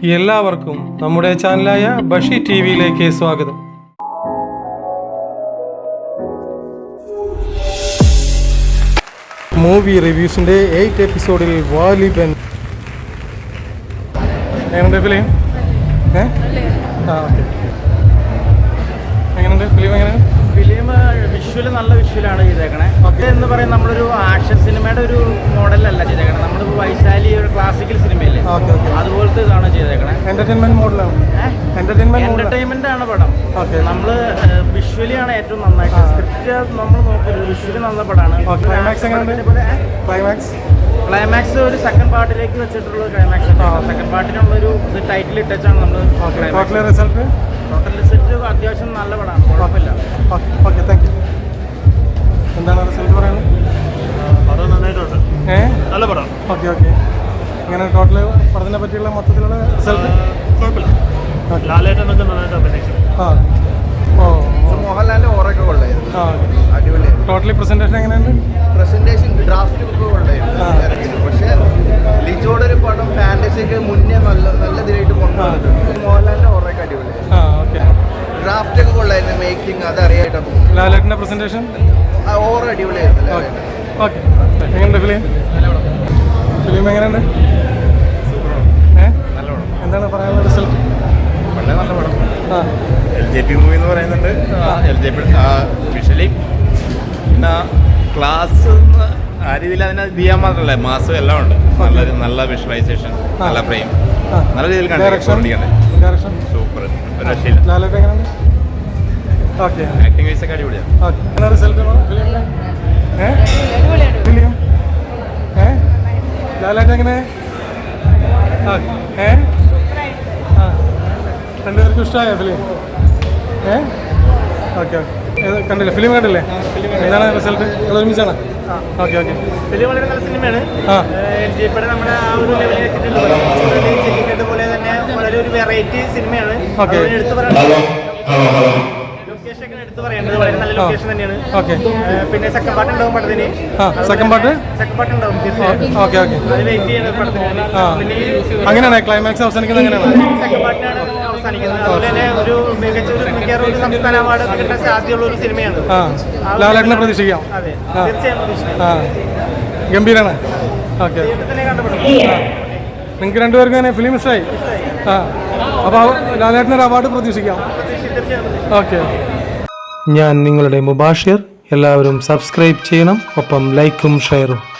എല്ലാവർക്കും നമ്മുടെ ചാനലായ ബഷി ടിവിയിലേക്ക് സ്വാഗതം. മൂവി റിവ്യൂസിൻ്റെ 8th എപ്പിസോഡിൽ വാലിബൻ എങ്ങനെയുണ്ട് ഫിലിം? ഓക്കെ, എങ്ങനെയുണ്ട് ഫിലിം? എങ്ങനെയാണ് ഫിലിം? വിഷ്വൽ നല്ല വിഷ്വലാണ് ചെയ്തേക്കണേ. ഓക്കെ എന്ന് പറയുന്നത് നമ്മളൊരു ആക്ഷൻ സിനിമയുടെ ഒരു മോഡലല്ല ചെയ്തേക്കണേ. നമ്മളിപ്പോൾ വൈശാലി ഒരു ക്ലാസിക്കൽ സിനിമയില്ലേ, അതുപോലത്തെ ഇതാണ് ചെയ്തേക്കണേ. എന്റർടൈൻമെന്റ് മോഡലാണ്. എന്റർടൈൻമെന്റ് ആണ് പടം. നമ്മൾ വിഷ്വലി ആണ് ഏറ്റവും നന്നായിട്ട്. സ്ക്രിപ്റ്റ് നമ്മൾ നോക്കരുത്, വിഷ്വലി നല്ല പടമാണ്. ക്ലൈമാക്സ് ഒരു സെക്കൻഡ് പാർട്ടിലേക്ക് വെച്ചിട്ടുള്ള ക്ലൈമാക്സ്. സെക്കൻഡ് പാർട്ടിനുള്ളൊരു ടൈറ്റിൽ ഇട്ടാണ് നമ്മൾ. ടോട്ടൽ റിസൾട്ട് അത്യാവശ്യം നല്ല പടമാണ്, കുഴപ്പമില്ല. Okay, thank you. എന്താണ് റിസൾട്ട് പറയുന്നത്? പടം നന്നായിട്ടുണ്ട്, നല്ല പടം. ഓക്കെ ഓക്കെ, ഇങ്ങനെ ടോട്ടൽ പടത്തിനെ പറ്റിയുള്ള മൊത്തത്തിലുള്ള റിസൾട്ട് കുഴപ്പമില്ല. ലാലേട്ടനൊക്കെ നന്നായിട്ട് അഭിനയിച്ചു. മോഹൻലാലിന്റെ ഓറൊക്കെ കൊള്ളായിരുന്നു, അടിപൊളിയായിരുന്നു. ടോട്ടലി പ്രസന്റേഷൻ എങ്ങനെയുണ്ട്? പ്രസന്റേഷൻ ഡ്രാഫ്റ്റ് ഒക്കെ കൊള്ളായിരുന്നു. പക്ഷേ ലിജോയുടെ ഒരു പടം ഫാന്റസിക്ക് മുന്നേ നല്ല ഇതിലായിട്ട് കൊണ്ടുവന്നിട്ടുണ്ട്. മോഹൻലാലിന്റെ ഓറൊക്കെ അടിപൊളിയായിരുന്നു. ഡ്രാഫ്റ്റ് ഒക്കെ കൊള്ളായിരുന്നു, മേക്കിംഗ് അത് അറിയായിട്ടാണ് തോന്നുന്നു. ലാലേട്ടന്റെ പ്രസന്റേഷൻ ഓറ അടിപൊളിയായിരുന്നു. ഓക്കെ, എങ്ങനെയുണ്ട് ഫിലിം? ഫിലിം എങ്ങനെയുണ്ട്? എന്താണ് പറയാനുള്ള റിസൾട്ട്? വളരെ നല്ല പടം. LJP മൂവി എന്ന് പറയുന്നുണ്ട്. LJP വിഷ്വലി പിന്നെ ക്ലാസ് ആ രീതിയിൽ അതിനെ ചെയ്യാൻ മാത്രമല്ല, മാസം എല്ലാം ഉണ്ട്. നല്ല വിഷ്വലൈസേഷൻ, നല്ല ഫ്രെയിം, നല്ല രീതിയിൽ കണ്ടിരിക്കണേ. സൂപ്പർ, ഒരു രക്ഷയില്ല. ആക്ടിംഗ് വൈസ് ഒക്കെ അടിപൊളിയാണ്. റിസൾട്ട് ഫിലിം ലാലേട്ടൻ എങ്ങനെ? രണ്ടുപേർക്കും ഇഷ്ടമായോ ഫിലിം? ഓക്കെ ഓക്കെ, കണ്ടില്ലേ? ഫിലിം കണ്ടില്ലേ? എന്താണ് റിസൾട്ട്? ഒരുമിച്ചാണ്? ഓക്കെ ഓക്കെ, ഫിലിം വളരെ നല്ല സിനിമയാണ്. നമ്മുടെ ആ ഒരു ലെവലിൽ എത്തിയിട്ടുള്ളത് പോലെ തന്നെ വളരെ ഒരു വെറൈറ്റി സിനിമയാണ്. എടുത്തു പറയുന്നത് എടുത്തു പറയേണ്ടത് വളരെ നല്ല ലൊക്കേഷൻ തന്നെയാണ്. ഓക്കെ, പിന്നെ സെക്കൻഡ് പാർട്ട് ഉണ്ടാവും പടത്തിന്. സെക്കൻഡ് പാർട്ട് ഉണ്ടാവും. ഓക്കെ ഓക്കെ, അത് വെയിറ്റ് ചെയ്യുന്നത് പടത്തിന്. അങ്ങനെയാണ് ക്ലൈമാക്സ് അവസാനിക്കുന്നത്? അങ്ങനെയാണ് സെക്കൻഡ് പാർട്ടിനാണ് അവസാനിക്കുന്നത്. അതുപോലെ തന്നെ ഒരു മികച്ച ഒരു സംസ്ഥാന അവാർഡ് കിട്ടാൻ സാധ്യതയുള്ള ഒരു സിനിമയാണ്. ലാലേട്ടനെ പ്രതീക്ഷിക്കാം. അതെ, തീർച്ചയായും പ്രതീക്ഷിക്കാം. ഗംഭീരാണ്. ഓക്കെ, നിങ്ങൾക്ക് രണ്ടുപേർക്കും തന്നെ ഫിലിം ഇഷ്ടമായി? അപ്പോൾ ലാലേട്ടനൊരു അവാർഡ് പ്രതീക്ഷിക്കാം. ഓക്കെ, ഞാൻ നിങ്ങളുടെ മുബാഷിർ. എല്ലാവരും സബ്സ്ക്രൈബ് ചെയ്യണം, ഒപ്പം ലൈക്കും ഷെയറും.